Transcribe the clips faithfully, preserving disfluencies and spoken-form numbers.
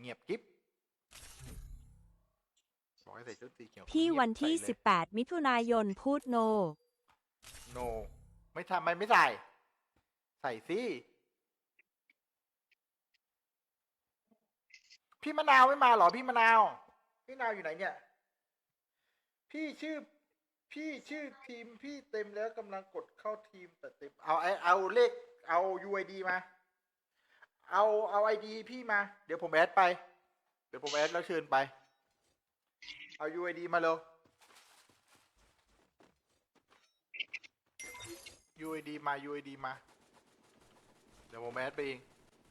เงียบกิ๊บบอกให้ใส่ชุดสีเขียวพี่วันที่สิบแปดมิถุนายนพูดโนโนไม่ทำมันไม่ใส่ใส่สิพี่มะนาวไม่มาหรอพี่มะนาวพี่มะนาวอยู่ไหนเนี่ยพี่ชื่อพี่ชื่อทีมพี่เต็มแล้วกำลังกดเข้าทีมแต่เต็มเอาไอเอาเลขเอา ยู ไอ ดี มาเอาเอา ไอ ดี พี่มาเดี๋ยวผมแอดไปเดี๋ยวผมแอดแล้วเชิญไปเอา ยู ไอ ดี มาเลย ยู ไอ ดี มา ยู ไอ ดี มาเดี๋ยวผมแอดไปเอง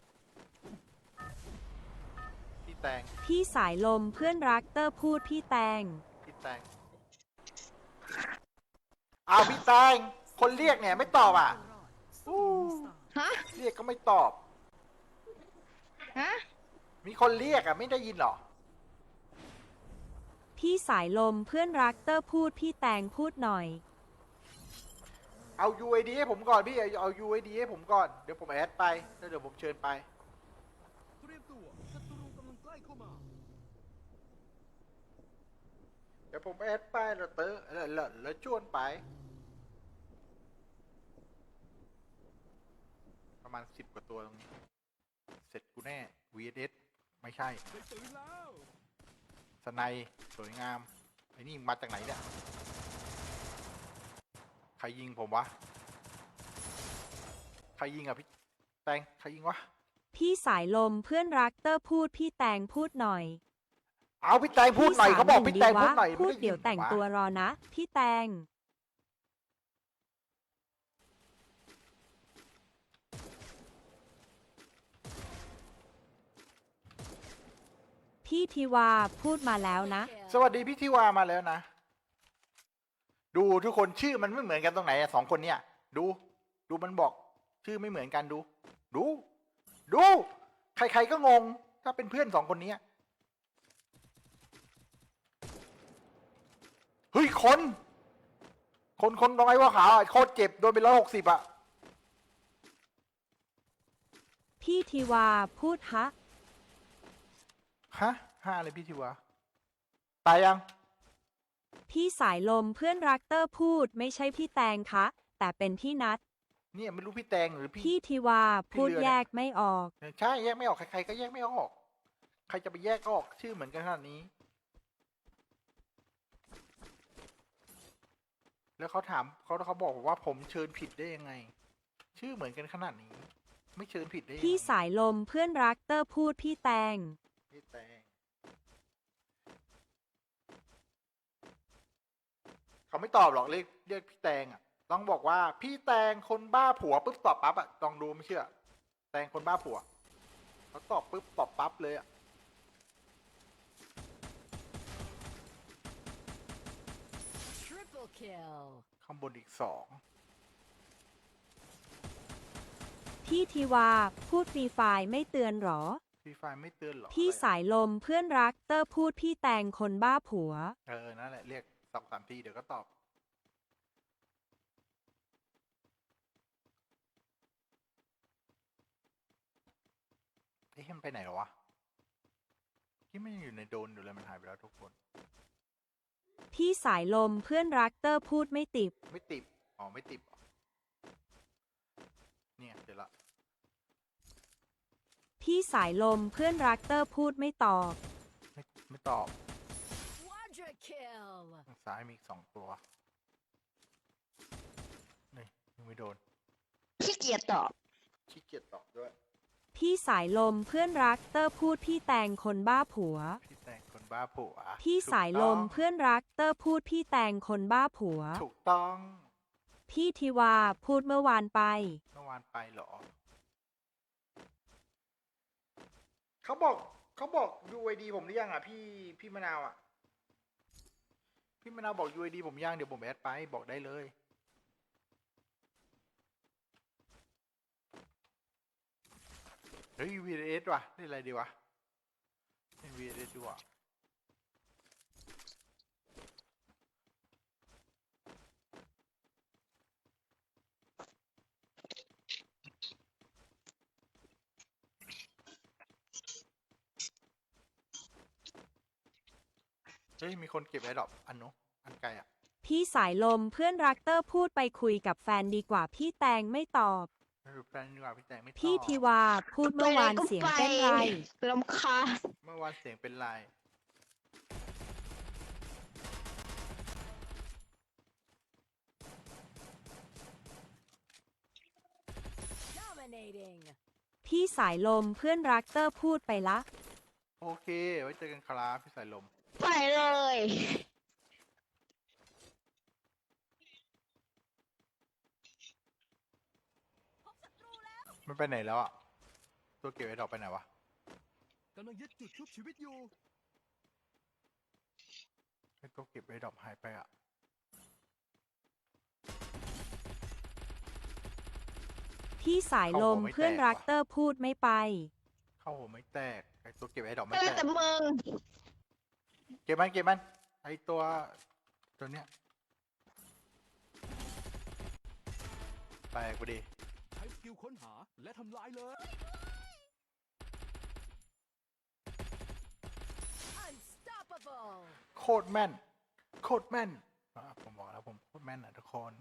พี่แตงพี่สายลมเพื่อนรักเตอร์พูดพี่แตงพี่แตงเอาพี่แตงคนเรียกเนี่ยไม่ตอบอ่ะอู้ฮะเรียกก็ไม่ตอบฮะมีคนเรียกอ่ะไม่ได้ยินหรอพี่สายลมเพื่อนรักเตอร์พูดพี่แตงพูดหน่อยเอา ยู ไอ ดี ให้ผมก่อนพี่เอา ยู ไอ ดี ให้ผมก่อนเดี๋ยวผมแอดไปแล้วเดี๋ยวผมเชิญไปเตรียมตัวศัตรูกำลังใกล้เข้ามาเดี๋ยวผมแอดไปแล้วเตอร์แล้วแล้วแล้วชวนไป ประมาณสิบกว่าตัวตรงนี้เสร็จกูแน่ วี เอส ไม่ใช่ได้ปืนแล้วสไนด์สวยงามไอ้นี่มาจากไหนเนี่ยใครยิงผมวะใครยิงอ่ะพี่แตงใครยิงวะพี่สายลมเพื่อนรักเตอร์พูดพี่แตงพูดหน่อยเอาพี่แตงพูดหน่อยเขาบอกพี่แตงพูดหน่อยพูดไม่ไเดี๋ยวแต่งตัวรอนะพี่แตง พี่ทิวาพูดมาแล้วนะสวัสดีพี่ทิวามาแล้วนะดูทุกคนชื่อมันไม่เหมือนกันตรงไหนอะสองคนเนี่ยดูดูมันบอกชื่อไม่เหมือนกันดู ดู ดู ใครๆก็งง ถ้าเป็นเพื่อนสองคนนี้เฮ้ยคน คนคนตรงไอ้ว่าขาวโคตรเจ็บโดนไปร้อยหกสิบอะพี่ทิวาพูดฮะฮะห้าเลยพี่ทิวาตายยังพี่สายลมเพื่อนรักเตอร์พูดไม่ใช่พี่แตงคะแต่เป็นพี่นัทเนี่ยไม่รู้พี่แตงหรือพี่พี่ทิวาพูดพี่เรือเนี่ยแยกไม่ออกใช่แยกไม่ออกใครๆก็แยกไม่ออก ใครจะไปแยกก็ออกชื่อเหมือนกันขนาดนี้ แล้วเขาถามเขาเขาบอกว่าผมเชิญผิดได้ยังไง ชื่อเหมือนกันขนาดนี้ ไม่เชิญผิดได้ยังไงพี่สายลมเพื่อนรักเตอร์พูดพี่แตงพี่แตงเขาไม่ตอบหรอกเรียกเรียกพี่แตงอ่ะต้องบอกว่าพี่แตงคนบ้าผัวปุ๊บตอบปั๊บอ่ะลองดูไม่เชื่อ แตงคนบ้าผัวเขาตอบปุ๊บตอบปั๊บเลยอ่ะ Triple kill ข้างบนอีกสองพี่ทิวาพูดฟรีไฟล์ไม่เตือนหรอพี่ไฟไม่เตือนหรอพี่อะไรสายลมเพื่อนรักเตอร์พูดพี่แตงคนบ้าผัวเออนั่นแหละเรียกสองสามทีเดี๋ยวก็ตอบเอ๊ะมันไปไหนหรอวะที่ไม่ยังอยู่ในโดนอยู่เลยมันหายไปแล้วทุกคนพี่สายลมเพื่อนรักเตอร์พูดไม่ติดไม่ติดอ๋อไม่ติดอ๋อเนี่ยเดี๋ยวละพี่สายลมเพื่อนรักเตอร์พูดไม่ตอบไม่ไม่ตอบ Quadra kill ทางซ้ายมีอีกสองตัวนี่ยังไม่โดนขี้เกียจตอบขี้เกียจตอบด้วยพี่สายลมเพื่อนรักเตอร์พูดพี่แตงคนบ้าผัวพี่แตงคนบ้าผัวพี่สายลมถูกต้องเพื่อนรักเตอร์พูดพี่แตงคนบ้าผัวถูกต้องพี่ทิวาพูดเมื่อวานไปเมื่อวานไปเหรอเขาบอกเขาบอก ยู ไอ ดี ผมหรือยังอ่ะพี่พี่มะนาวอ่ะพี่มะนาวบอก ยู ไอ ดี ผมยังเดี๋ยวผมแอดไปบอกได้เลยเฮ้ย วี เอส ว่ะนี่อะไรดีวะนี่ วี เอส ดีกว่าเฮ้ยมีคนเก็บไอ้ดอกอันนู้นอันไกลอ่ะพี่สายลมเพื่อนรักเตอร์พูดไปคุยกับแฟนดีกว่าพี่แตงไม่ตอบไม่รู้แฟนดีกว่าพี่แตงไม่ตอบพี่ทิวาพูดเมื่อวานเสียงเป็นไรลำคาญเมื่อวานเสียงเป็นไร dominating พี่สายลมเพื่อนรักเตอร์พูดไปละโอเคไว้เจอกันครับพี่สายลมไปเลยมันไปไหนแล้วอ่ะตัวเก็บไอ้ดอกไปไหนวะกำลังยึดจุดชุบชีวิตอยู่ไอ้ตัวเก็บไอ้ดอกหายไปอ่ะพี่สายลมเพื่อนรักเตอร์พูดไม่ไปเข้าหัวไม่แตกไอ้ตัวเก็บไอ้ดอกไม่เออแตกแต่มึงเก็บมันเก็บมันไอ้ตัวตัวเนี้ยไปกูดีใช้สกิลค้นหาและทำลายเลย unstoppable โคตรแม่นโคตรแม่นอ่ะผมบอกแล้วผมโคตรแม่นอ่ะทุกคน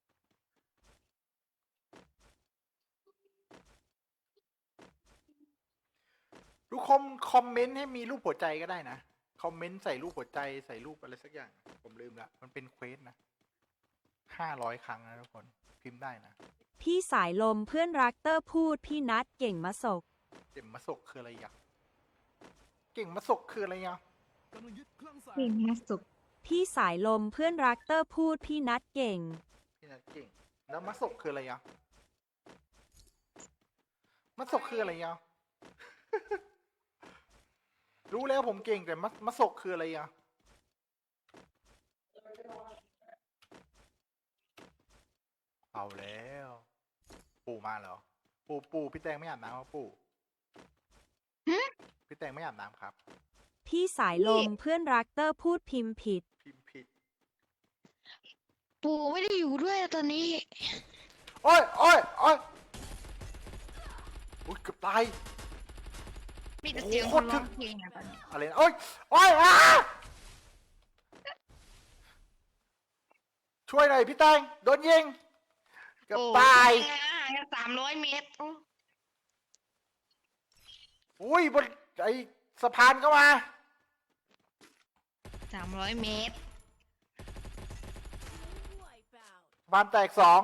ทุกคนคอมเมนต์ให้มีรูปหัวใจก็ได้นะคอมเมนต์ใส่รูปหัวใจใส่รูปอะไรสักอย่างผมลืมละมันเป็นเควสนะห้าร้อยครั้งนะทุกคนพิมพ์ได้นะพี่สายลมเพื่อนรักเตอร์พูดพี่นัดเก่งมาศกเก่งมาสกคืออะไรอ่ะเก่งมาสกคืออะไรอ่ะกำลังยึดเครื่องแสงเก่งมาสุกพี่สายลมเพื่อนรักเตอร์พูดพี่นัดเก่งพี่นัทเก่งแล้วมาสกคืออะไรอ่ะมาสกคืออะไรอ่ะ รู้แล้วผมเก่งแต่มามาสกคืออะไรอ่ะเอาแล้ว ปู่มาเหรอ ปู่ปู่พี่แตงไม่อาบน้ำครับปู่พี่แตงไม่อาบน้ำครับพี่สายลมเพื่อนรักเตอร์พูดพิมพ์ผิดพิมพ์ผิดปู่ไม่ได้อยู่ด้วยตอนนี้โอ้ยโอ้ยโอ้ยอุ้ยเกือบตายมีแต่เสียงคนร้องเพลงอะตอนนี้อะไรนะโอ้ยโอ้ยอ่ะช่วยหน่อยพี่แตงโดนยิงเกือบตายห่างกันสามร้อยเมตรโอ้อุ้ยบนไอสะพานเข้ามาสามร้อยเมตรสะพานแตกสอง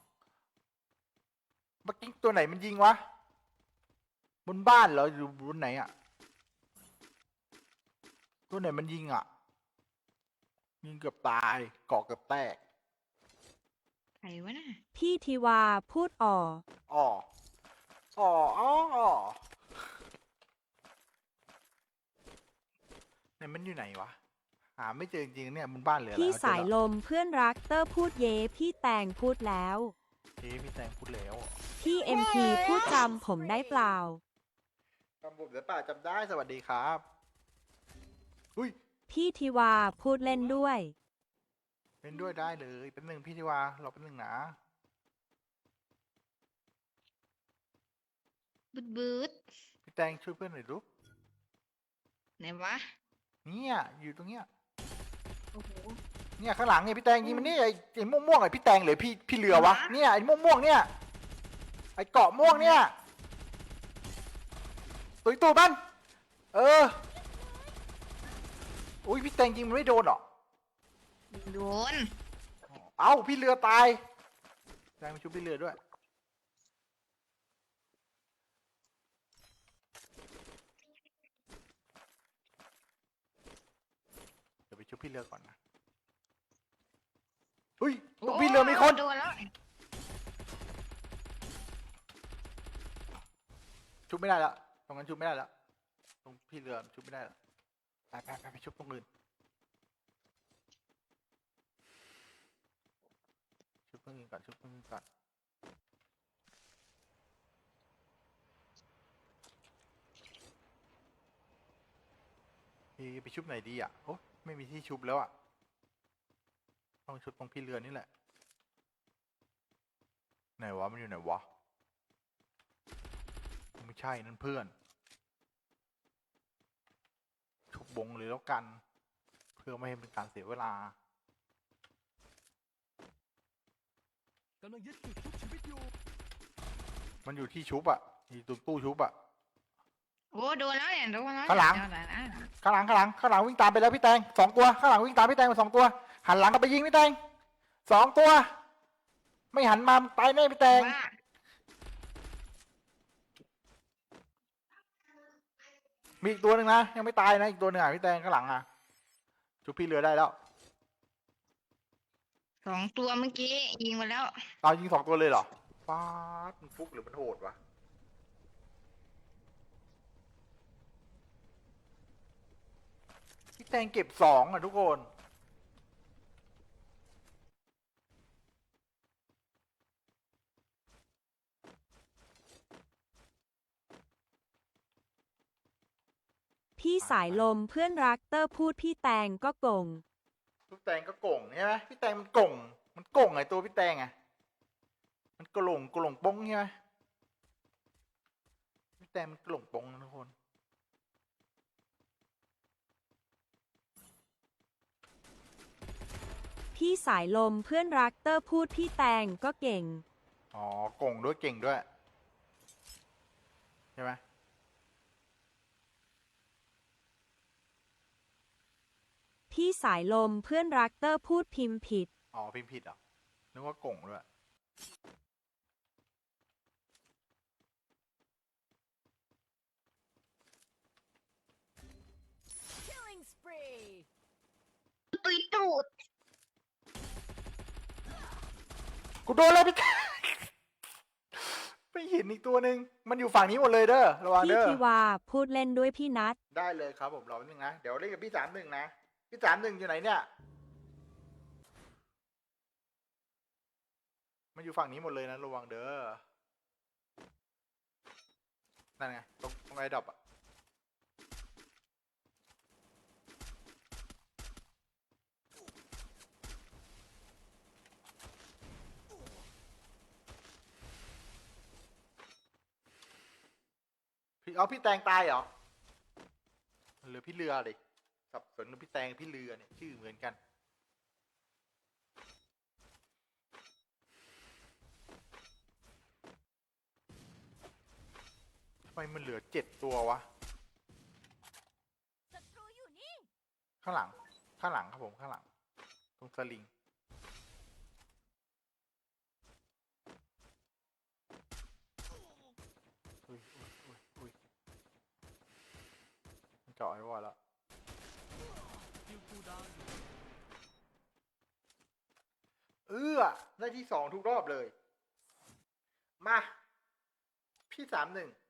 เมื่อกี้ตัวไหนมันยิงวะ บนบ้านเหรออยู่บนไหนอะตัวไหนมันยิงอะยิงเกือบตายเกาะเกือบแตกใครวะน่ะพี่ทิวาพูดอ่ออ๋ออ๋ออ๋ออ๋อไหนมันอยู่ไหนวะ หาไม่เจอจริงๆเนี่ยบนบ้านเหลือพี่แล้วสายลมเพื่อนรักเตอร์พูดเยพี่แตงพูดแล้วเฮ้พี่แตงพูดแล้วพี่เอ็มพีพูดจำผมได้เปล่าจำผมได้ป่าจำได้สวัสดีครับอุ้ยพี่ทิวาพูดเล่นด้วยเล่นด้วยได้เลยเป็นหนึ่งพี่ทิวาเราเป็นหนึ่งนะบึดบึดพี่แตงช่วยเพื่อนหน่อยลูกไหนวะเนี่ยอยู่ตรงเนี้ยโอ้โหเนี่ยข้างหลังเนี่ยพี่แตงยิงมันนี่ไอ้ไอ้ม่วงม่วงๆไอ้พี่แตงหรือพี่พี่เรือวะเนี่ยไอ้ม่วงม่วงๆเนี่ยไอ้เกาะม่วงเนี่ยตุยตูมันเอออุ้ยพี่แตงยิงมันไม่โดนหรอโดนเอ้าพี่เรือตายแตงมาชุบพี่เรือด้วยเดี๋ยวไปชุบพี่เรือก่อนนะเฮ้ยตรงพี่เรือมีคนโดนแล้วชุบไม่ได้แล้วตรงนั้นชุบไม่ได้แล้วตรงพี่เรือชุบไม่ได้แล้วไปไปไปไปชุบตรงอื่นชุบตรงอื่นก่อนชุบตรงอื่นก่อนพี่ไปชุบไหนดีอ่ะโอ้ไม่มีที่ชุบแล้วอ่ะต้องชุบตรงพี่เรือนี่แหละไหนวะมันอยู่ไหนวะไม่ใช่นั่นเพื่อนชุบบงเลยแล้วกัน เพื่อไม่ให้เป็นการเสียเวลากำลังยึดจุดทุกชีวิตอยู่มันอยู่ที่ชุบอะอยู่ตรงตู้ชุบอะโอ้โดนแล้วเนี่ยโดนแล้วข้างหลังโดนแล้วนะข้างหลังข้างหลังข้างหลังวิ่งตามไปแล้วพี่แตงสองตัวข้างหลังวิ่งตามพี่แตงไปสองตัว หันหลังกลับไปยิงพี่แตงสองตัว ไม่หันมาตายแน่พี่แตงว่ามีอีกตัวหนึ่งนะยังไม่ตายนะอีกตัวหนึ่งอ่ะพี่แตงข้างหลังอ่ะชุบพี่เรือได้แล้วสองตัวเมื่อกี้ยิงมาแล้วเรายิงสองตัวเลยเหรอฟ้าดมันฟุกหรือมันโหดวะพี่แตงเก็บสองอ่ะทุกคนพี่สายลมเพื่อนรักเตอร์พูดพี่แตงก็โกงพี่แตงก็โก่งใช่ไหมพี่แตงมันโก่งมันโก่งไงตัวพี่แตงอ่ะมันกระหลงกระหลงปงใช่ไหมพี่แตงมันกระหลงปงนะทุกคนพี่สายลมเพื่อนรักเตอร์พูดพี่แตงก็เก่งอ๋อโก่งด้วยเก่งด้วยใช่ไหมพี่สายลมเพื่อนรักเตอร์พูดพิมพ์ผิดอ๋อพิมพ์ผิดเหรอนึกว่าโก่งด้วยตุยตูดกูโดนแล้วพี่แตง ไปเห็นอีกตัวหนึ่งมันอยู่ฝั่งนี้หมดเลยเด้อระวังพี่เด้อทิวาพูดเล่นด้วยพี่นัทได้เลยครับผมรอแป๊บนึงนะเดี๋ยวเล่นกับพี่สามหนึ่งนะพี่สามหนึ่งอยู่ไหนเนี่ยมันอยู่ฝั่งนี้หมดเลยนะระวังเด้อนั่นไงตรงตรงไอ้ดรอปอะพี่เอาพี่แตงตายเหรอเหรือพี่เรือดิสับสนกับพี่แตงพี่เรือเนี่ยชื่อเหมือนกันทำไมมันเหลือเจ็ดตัววะข้างหลังข้างหลังครับผมข้างหลังตรงสลิงอุ้ยอุ้ยอุ้ยอุ้ยมันเจาะไอ้วอลแล้วคิวคูลดาวน์อยู่เอื้อได้ที่สองทุกรอบเลย มา พี่สามหนึ่ง